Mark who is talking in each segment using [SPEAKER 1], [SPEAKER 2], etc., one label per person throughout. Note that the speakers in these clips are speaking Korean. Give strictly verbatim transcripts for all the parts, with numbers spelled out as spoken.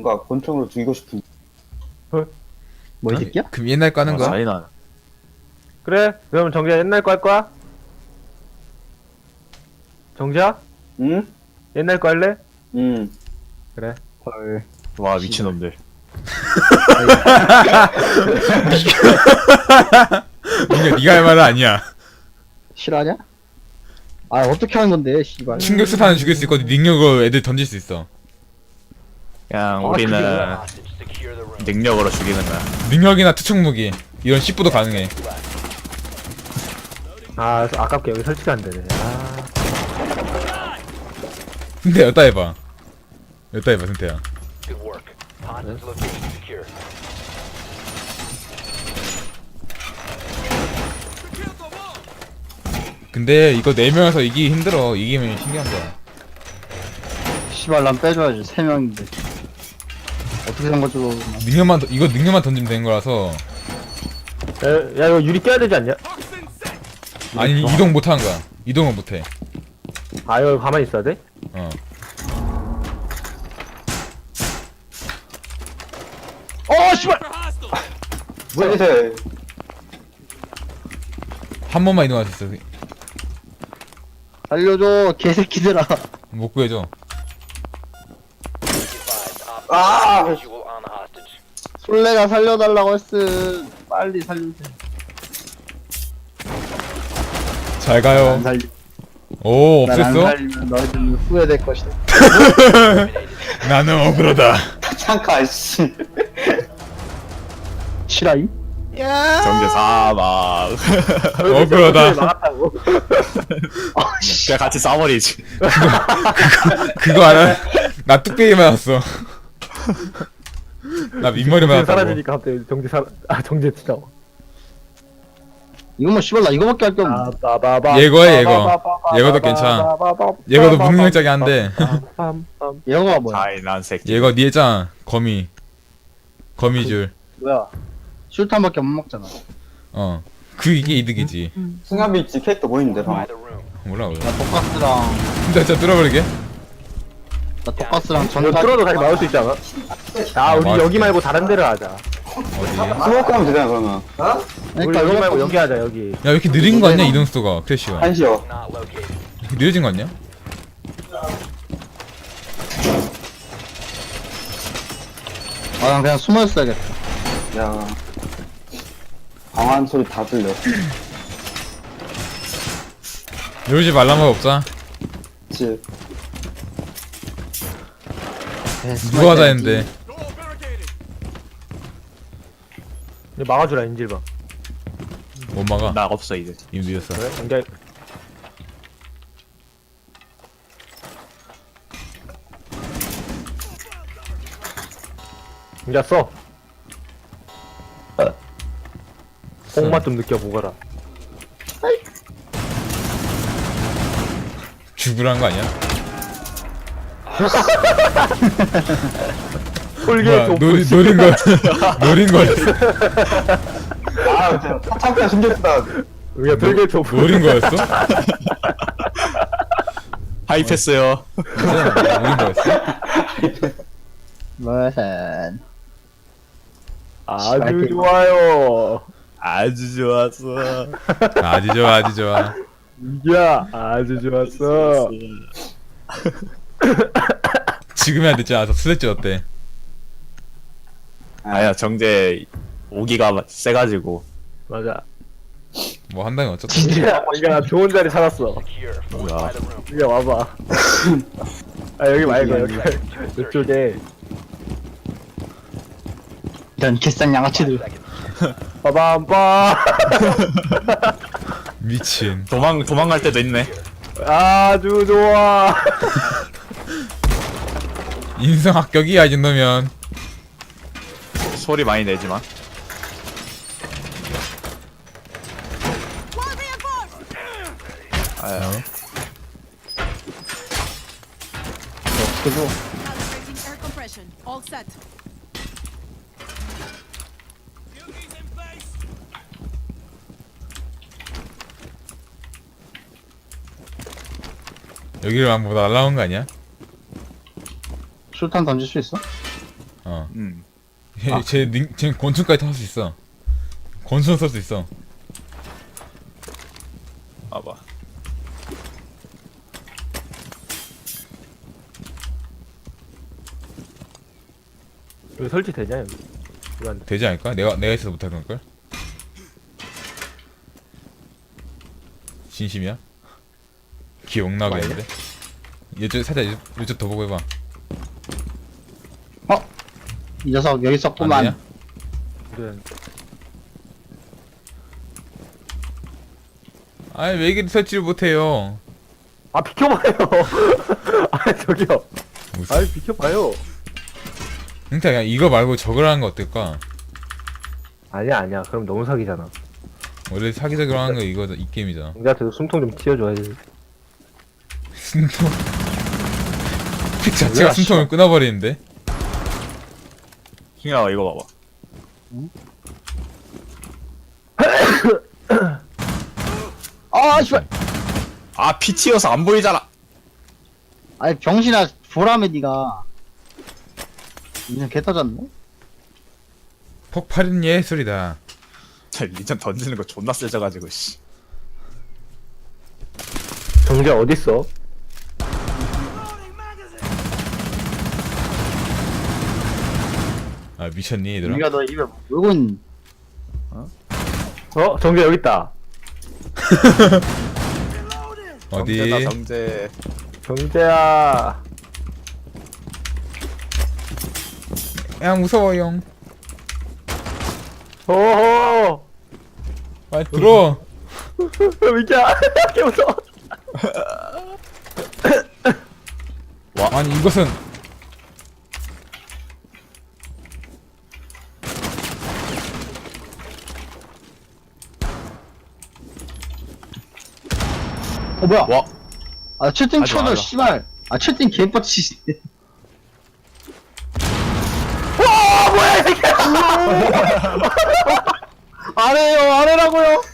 [SPEAKER 1] 뭔가 권총으로 죽이고 싶은.
[SPEAKER 2] 뭐 이 새끼야?
[SPEAKER 3] 그럼 옛날 거 하는 거야?
[SPEAKER 4] 잔인한.
[SPEAKER 5] 그래? 그러면 정지야 옛날 거 할 거야? 정지야?
[SPEAKER 1] 응?
[SPEAKER 5] 옛날 거 할래?
[SPEAKER 1] 응.
[SPEAKER 5] 그래.
[SPEAKER 2] 헐.
[SPEAKER 4] 와 미친놈들.
[SPEAKER 3] 민규 네가 할 말은 아니야.
[SPEAKER 2] 싫어하냐? 아 어떻게 하는 건데 씨발.
[SPEAKER 3] 충격 수탄은 죽일 수 있고 능력으로 애들 던질 수 있어.
[SPEAKER 4] 그냥
[SPEAKER 2] 아,
[SPEAKER 4] 우리는
[SPEAKER 2] 그게
[SPEAKER 4] 능력으로 죽이는 거야.
[SPEAKER 3] 능력이나 투척 무기 이런 십부도 가능해.
[SPEAKER 5] 아 아깝게 여기 설치가 안 되네. 아.
[SPEAKER 3] 근데 여따 해봐. 여따 해봐 승태야. 근데 이거 네 명에서 이기기 힘들어. 이기면 신기한 거야.
[SPEAKER 2] 씨발 난 빼줘야지 세 명인데. 어떻게 산 거죠?
[SPEAKER 3] 능력만 던- 이거 능력만 던지면 되는 거라서.
[SPEAKER 5] 야, 야 이거 유리 껴야 되지 않냐?
[SPEAKER 3] 아니 이동 못 하는 거야. 이동은 못 해.
[SPEAKER 5] 아 이거 가만히 있어야 돼?
[SPEAKER 3] 어.
[SPEAKER 2] 어 씨발.
[SPEAKER 1] 뭐야? 이제
[SPEAKER 3] 한 번만 이동할 수 있어.
[SPEAKER 2] 살려줘 개새끼들아.
[SPEAKER 3] 못 구해줘.
[SPEAKER 1] 아!
[SPEAKER 2] 솔레가 살려달라고 했음. 빨리 살려주세요.
[SPEAKER 3] 잘
[SPEAKER 2] 안
[SPEAKER 3] 가요.
[SPEAKER 2] 살리.
[SPEAKER 3] 오
[SPEAKER 2] 난안
[SPEAKER 3] 없앴어?
[SPEAKER 2] 살리면 너희들은 후회될 것이다.
[SPEAKER 3] 나는 억울하다.
[SPEAKER 1] 잠깐 씨.
[SPEAKER 2] 실화임?
[SPEAKER 4] 정제 사막.
[SPEAKER 3] 억울하다.
[SPEAKER 5] 막았다고.
[SPEAKER 4] 그냥 같이 싸버리지.
[SPEAKER 3] 그거 알아? 나 뚝배기 맞았어. 나 민머리 맞았다고.
[SPEAKER 5] 사라지니까 갑자기 정지 사, 아 정지 진짜.
[SPEAKER 2] 이거 뭐 씨발 나 이거밖에 할 게 없네.
[SPEAKER 3] 예거야, 예거. 예거도 괜찮아. 예거도 무능력자긴 한데.
[SPEAKER 2] 얘가 뭐야?
[SPEAKER 4] 잔인한 새끼.
[SPEAKER 3] 예거 니 했잖아. 거미. 거미줄.
[SPEAKER 2] 뭐야? 술탄밖에 못 먹잖아.
[SPEAKER 3] 어. 그 이게 이득이지.
[SPEAKER 1] 승합일지 캐릭터 보이는데 방금.
[SPEAKER 3] 몰라 몰라.
[SPEAKER 2] 나 독가스랑
[SPEAKER 3] 진짜 진짜 뚫어버리게.
[SPEAKER 2] 나 독가스랑
[SPEAKER 5] 이거
[SPEAKER 2] 전자.
[SPEAKER 5] 뚫어도 다시 나올 수 있지 않아? 아 우리
[SPEAKER 3] 맞아.
[SPEAKER 5] 여기 말고 다른 데를 하자.
[SPEAKER 3] 어디?
[SPEAKER 1] 스모크 하면 되잖아 그러면.
[SPEAKER 5] 우리
[SPEAKER 2] 그러니까
[SPEAKER 5] 여기
[SPEAKER 2] 이거
[SPEAKER 5] 말고 여기 하자 여기.
[SPEAKER 3] 야 왜 이렇게 느린 거 같냐 이동 속도가 크래쉬가.
[SPEAKER 1] 한시요.
[SPEAKER 3] 이렇게 느려진 거 같냐?
[SPEAKER 2] 아, 난 그냥 숨어 있어야겠다.
[SPEAKER 1] 야. 강한 소리 다 들려.
[SPEAKER 3] 이러지 말란 말 없자.
[SPEAKER 1] 그치.
[SPEAKER 2] 네, 숨어
[SPEAKER 3] 누가 하자
[SPEAKER 2] 있어야지.
[SPEAKER 3] 했는데.
[SPEAKER 5] 이제 막아주라 인질방.
[SPEAKER 3] 못 막아.
[SPEAKER 4] 나 없어 이제.
[SPEAKER 3] 이미 늦었어.
[SPEAKER 5] 그래? 정지. 이제 써. 뽕맛 좀 느껴보거라.
[SPEAKER 3] 죽으란 거 아니야?
[SPEAKER 5] 톨게
[SPEAKER 3] 뭐야
[SPEAKER 5] 좀
[SPEAKER 3] 노, 노린 거 노린 거였어?
[SPEAKER 1] 아 진짜 참다 신경 쓰다.
[SPEAKER 5] 우리가 톨게 좀
[SPEAKER 3] 노린 거였어?
[SPEAKER 4] 하이패스요.
[SPEAKER 3] 노린 거였어?
[SPEAKER 2] 무슨
[SPEAKER 5] 아주 좋아요.
[SPEAKER 4] 아주 좋았어.
[SPEAKER 3] 아주 좋아 아주 좋아.
[SPEAKER 5] 야 아주 좋았어.
[SPEAKER 3] 지금 해야 되지 않아서 수색지 어때?
[SPEAKER 4] 아야 정제 오기가 세가지고.
[SPEAKER 5] 맞아.
[SPEAKER 3] 뭐 한다면 어쩌다.
[SPEAKER 5] 야, 우리가 좋은 자리 찾았어.
[SPEAKER 4] 뭐야.
[SPEAKER 5] 이리 와봐. 아 여기 말고 여기 이쪽에.
[SPEAKER 2] 이런 개싼 양아치들.
[SPEAKER 5] 빠밤빠.
[SPEAKER 3] 미친.
[SPEAKER 4] 도망 도망갈 때도 있네.
[SPEAKER 5] 아주 좋아.
[SPEAKER 3] 인성 합격이야 이 정도면.
[SPEAKER 4] 소리 많이 내지만. 아야.
[SPEAKER 2] 그거
[SPEAKER 6] Calibrating air compression. All set.
[SPEAKER 3] 여기를 뭐 날라온 거 아니야?
[SPEAKER 2] 술탄 던질 수 있어?
[SPEAKER 3] 어.
[SPEAKER 4] 음.
[SPEAKER 3] 얘, 쟤, 닝, 쟤 권총까지 탈 수 있어. 권총 쏠 수 있어.
[SPEAKER 4] 봐봐.
[SPEAKER 5] 여기 설치 되냐 여기? 이거 안 돼.
[SPEAKER 3] 되지 않을까? 내가, 내가 있어서 못할 걸걸? 진심이야? 기억나겠는데? 이쪽, 살짝, 이쪽, 이쪽 더 보고 해봐.
[SPEAKER 2] 이 녀석 여기
[SPEAKER 3] 안
[SPEAKER 2] 있었구만.
[SPEAKER 3] 되냐?
[SPEAKER 5] 그래.
[SPEAKER 3] 아니, 왜 이렇게 설치를 못해요?
[SPEAKER 5] 아 비켜봐요. 아 저기요.
[SPEAKER 3] 무슨.
[SPEAKER 5] 아 비켜봐요.
[SPEAKER 3] 그러니까 그냥 이거 말고 저걸 하는 거 어떨까?
[SPEAKER 5] 아니야 아니야. 그럼 너무 사기잖아.
[SPEAKER 3] 원래 사기적으로 하는 거 이거, 이 게임이잖아.
[SPEAKER 5] 공자한테도 숨통 좀 튀어줘야지.
[SPEAKER 3] 숨통. 픽 자체가 숨통을 끊어버리는데?
[SPEAKER 4] 킹아 이거 봐봐.
[SPEAKER 2] 아 씨발.
[SPEAKER 4] 아 피 튀어서 안 보이잖아.
[SPEAKER 2] 아니 병신아 보라매 니가. 그냥 개 터졌네.
[SPEAKER 3] 폭발은 예술이다.
[SPEAKER 4] 저 리전 던지는 거 존나 세져가지고 씨.
[SPEAKER 5] 정자 어딨어?
[SPEAKER 3] 아, 미쳤니, 얘들아?
[SPEAKER 2] 니가 너 입에 물고 있는.
[SPEAKER 5] 어 정자 여기 있다.
[SPEAKER 3] 어디?
[SPEAKER 4] 정제다 정제.
[SPEAKER 5] 정자야.
[SPEAKER 3] 야, 무서워요.
[SPEAKER 5] 오호.
[SPEAKER 3] 빨리 들어.
[SPEAKER 5] 미야. 개 무서워.
[SPEAKER 3] 아니, 이것은.
[SPEAKER 2] 어 뭐야?
[SPEAKER 4] 와.
[SPEAKER 2] 아 채팅
[SPEAKER 4] 하지
[SPEAKER 2] 쳐도
[SPEAKER 4] 마라.
[SPEAKER 2] 씨발. 아 채팅 개뻗치. 아래요 아래라고요.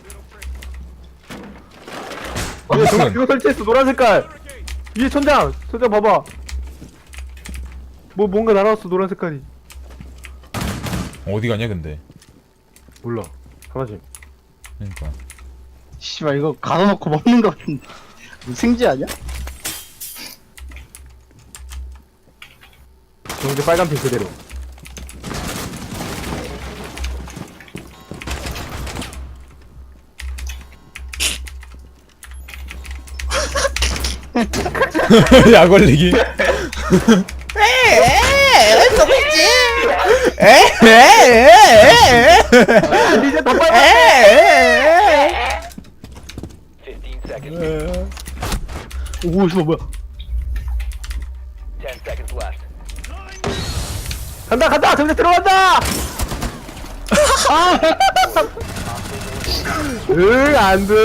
[SPEAKER 5] 이거 정
[SPEAKER 3] 무슨.
[SPEAKER 5] 이거 설치했어 노란 색깔. 위에 천장. 천장 봐봐. 뭐 뭔가 날아왔어 노란 색깔이.
[SPEAKER 3] 어디 가냐, 근데?
[SPEAKER 5] 몰라. 사라짐.
[SPEAKER 3] 그러니까.
[SPEAKER 2] 씨발 이거 가둬놓고 먹는 거 같은데. 생쥐 아니야?
[SPEAKER 5] 정자 빨간 핀 그대로.
[SPEAKER 3] 약 올리기.
[SPEAKER 5] 이제 다 빨간.
[SPEAKER 7] fifteen seconds.
[SPEAKER 2] 오 씨발 뭐야?
[SPEAKER 7] ten seconds left.
[SPEAKER 5] 간다 간다 정자 들어간다. 응 안돼.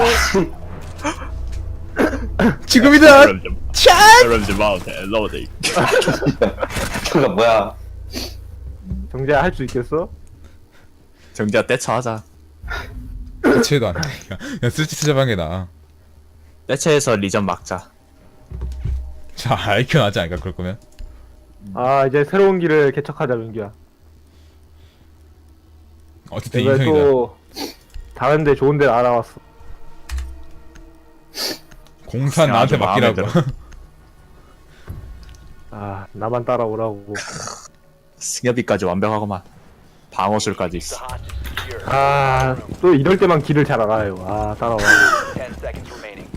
[SPEAKER 3] 지금이다!
[SPEAKER 4] 여러분들 마운트 로딩.
[SPEAKER 1] 저거 뭐야?
[SPEAKER 5] 정자 할 수 있겠어?
[SPEAKER 4] 정지야 떼쳐하자.
[SPEAKER 3] 대체도 안 돼. 그냥 쓸지 쓰자한 게 나아.
[SPEAKER 4] 떼쳐해서 리전 막자.
[SPEAKER 3] 자, 아이큐 나지 않을까, 그럴 거면?
[SPEAKER 5] 아 이제 새로운 길을 개척하자 민규야.
[SPEAKER 3] 어쨌든
[SPEAKER 5] 내가
[SPEAKER 3] 인성이다.
[SPEAKER 5] 또 다른데 좋은 데 알아왔어.
[SPEAKER 3] 공산
[SPEAKER 4] 야,
[SPEAKER 3] 나한테
[SPEAKER 4] 아주 마음에
[SPEAKER 3] 맡기라고.
[SPEAKER 5] 아 나만 따라오라고.
[SPEAKER 4] 승엽이까지 완벽하고만. 방어술까지 있어.
[SPEAKER 7] Hostage secure.
[SPEAKER 5] 아 또 이럴 때만 길을 잘 알아요. 아 따라와.
[SPEAKER 7] ten seconds remaining.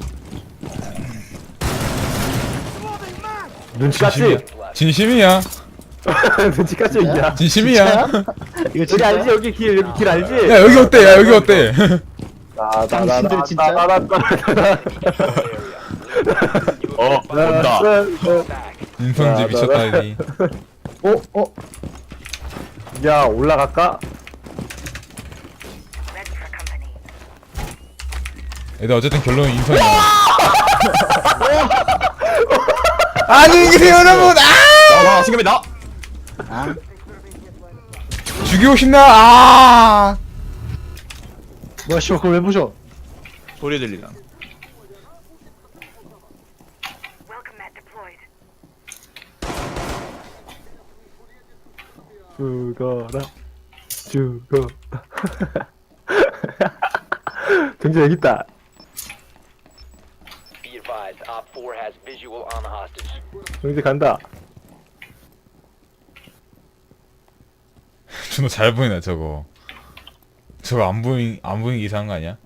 [SPEAKER 5] 눈치 깠지?
[SPEAKER 3] 진심이야.
[SPEAKER 5] 눈치 깠지 이야.
[SPEAKER 3] 진심이야.
[SPEAKER 2] 이거
[SPEAKER 5] 여기
[SPEAKER 2] 진짜
[SPEAKER 5] 알지 여기 길 여기 길 알지?
[SPEAKER 3] 야, 여기 어때? 야, 여기 어때?
[SPEAKER 2] 당신들 진짜.
[SPEAKER 4] 어 온다.
[SPEAKER 3] 인성지 미쳤다, 여기.
[SPEAKER 5] 어 어. 야 올라갈까?
[SPEAKER 3] 애들 어쨌든 결론은 인성이야. 안녕히 계세요, 여러분! 아!
[SPEAKER 4] 나와 승엽이 나.
[SPEAKER 3] 죽이고 싶나? 아!
[SPEAKER 2] 뭐야 씨발 그걸 왜 부셔?
[SPEAKER 4] 소리 들리나?
[SPEAKER 8] Welcome mat deployed.
[SPEAKER 5] 죽어라 죽어라 정재 여기 있다.
[SPEAKER 7] Be advised, Op four has visual on the hostage.
[SPEAKER 5] 정재 간다.
[SPEAKER 3] 존나 잘 보이네 저거. 저거 안 보이 안 보이기 이상한 거 아니야?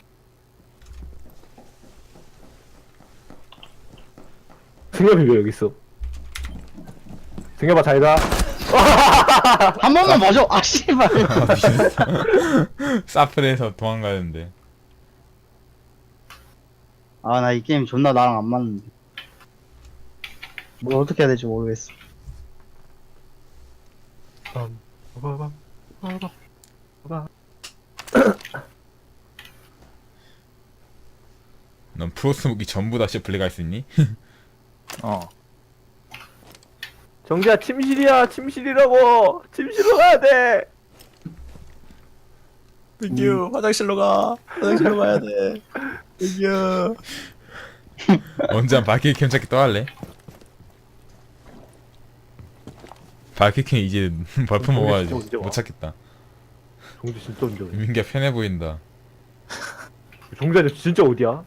[SPEAKER 5] 승엽이 왜 여기 있어? 승엽아 잘가.
[SPEAKER 2] 한 번만 봐줘. 아 씨발.
[SPEAKER 3] 사플에서 도망가는데.
[SPEAKER 2] 아 나 이 게임 존나 나랑 안 맞는데. 뭘 어떻게 해야 될지 모르겠어.
[SPEAKER 5] 빰, 빠바밤, 빠바밤, 빠바.
[SPEAKER 3] 넌 프로스 무기 전부 다 셰플리 갈 수 있니?
[SPEAKER 4] 어.
[SPEAKER 5] 정재야 침실이야 침실이라고 침실로 가야 돼.
[SPEAKER 4] 땡큐 화장실로 가. 화장실로 가야 돼. 땡큐.
[SPEAKER 3] 언제 한 바퀴 캠 찾기 또 할래? 바퀴캠 이제 벌품
[SPEAKER 5] 어,
[SPEAKER 3] 먹어가지고
[SPEAKER 5] 진짜
[SPEAKER 3] 못 찾겠다.
[SPEAKER 5] 정재 진짜 언제 어디?
[SPEAKER 3] 민기가 편해 보인다.
[SPEAKER 5] 정재야 너 진짜 어디야?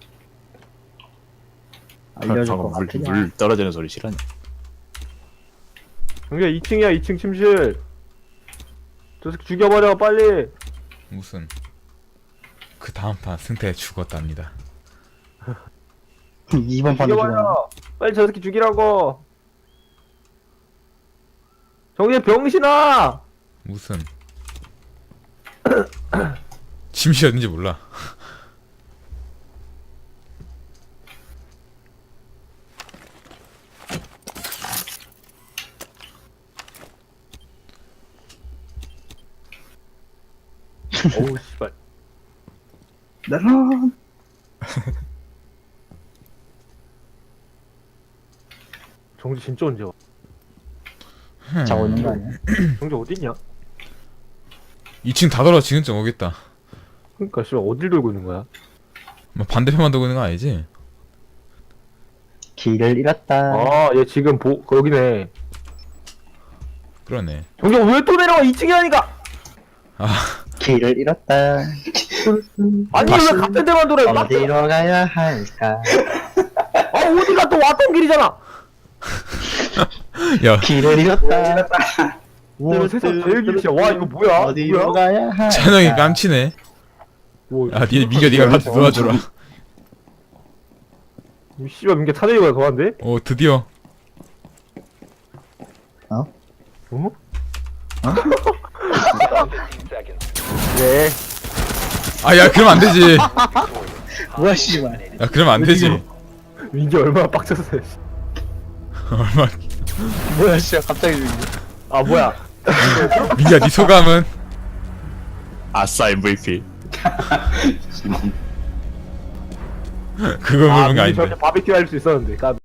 [SPEAKER 2] 알려줄 것
[SPEAKER 4] 물,
[SPEAKER 2] 같아.
[SPEAKER 4] 물 떨어지는 소리 싫어하냐?
[SPEAKER 5] 정재야 이 층이야 이 층 침실. 저 새끼 죽여버려 빨리.
[SPEAKER 3] 무슨 그 다음 판 승태 죽었답니다.
[SPEAKER 2] 이번 판도 죽었네.
[SPEAKER 5] 죽여버려. 빨리 저 새끼 죽이라고. 정재 병신아.
[SPEAKER 3] 무슨 침실 어딘지 몰라.
[SPEAKER 5] 어우 씨발.
[SPEAKER 2] 나랑
[SPEAKER 5] 정재 진짜 언제 와?
[SPEAKER 2] 자고 있는 거 아니야?
[SPEAKER 5] 정재 어딨냐?
[SPEAKER 3] 이 층 다 돌아 지금쯤 오겠다.
[SPEAKER 5] 그러니까 씨발 어딜 돌고 있는 거야?
[SPEAKER 3] 뭐 반대편만 돌고 있는 거 아니지?
[SPEAKER 2] 길을 잃었다.
[SPEAKER 5] 아 얘 지금 보 거기네.
[SPEAKER 3] 그러네.
[SPEAKER 5] 정재 왜 또 내려와 이 층이라니까.
[SPEAKER 2] 길을 잃었다.
[SPEAKER 5] 아니
[SPEAKER 3] 다시-
[SPEAKER 5] 왜 같은 데만 돌아? 막
[SPEAKER 2] 어디로 가야 할까?
[SPEAKER 5] 아 어디가 또 왔던 길이잖아.
[SPEAKER 3] 야
[SPEAKER 2] 길을 잃었다.
[SPEAKER 5] 와 세상 제일 길이야. 와 이거 뭐야?
[SPEAKER 2] 어디로
[SPEAKER 5] 뭐야?
[SPEAKER 2] 가야 할까?
[SPEAKER 3] 찬영이 깜치네.
[SPEAKER 5] 뭐,
[SPEAKER 3] 야 니 민규 니가 같이 도와줘라.
[SPEAKER 5] 이 씨발 민규 타대기가 더한데?
[SPEAKER 3] 오 드디어.
[SPEAKER 5] 어?
[SPEAKER 7] fifteen seconds.
[SPEAKER 5] 네.
[SPEAKER 3] 아 야 그러면 안 되지.
[SPEAKER 2] 뭐야 씨발.
[SPEAKER 3] 야 그러면 안 되지.
[SPEAKER 5] 민규 얼마나 빡쳤어요. 씨.
[SPEAKER 3] 얼마
[SPEAKER 2] 뭐야 씨발 갑자기 죽이네.
[SPEAKER 5] 아 뭐야?
[SPEAKER 3] 민규야 니 소감은?
[SPEAKER 4] 아싸 엠브이피.
[SPEAKER 3] 그걸
[SPEAKER 5] 아
[SPEAKER 3] 물은 게
[SPEAKER 5] 민규
[SPEAKER 3] 아닌데.
[SPEAKER 5] 저렇게 바비큐 할 수 있었는데. 까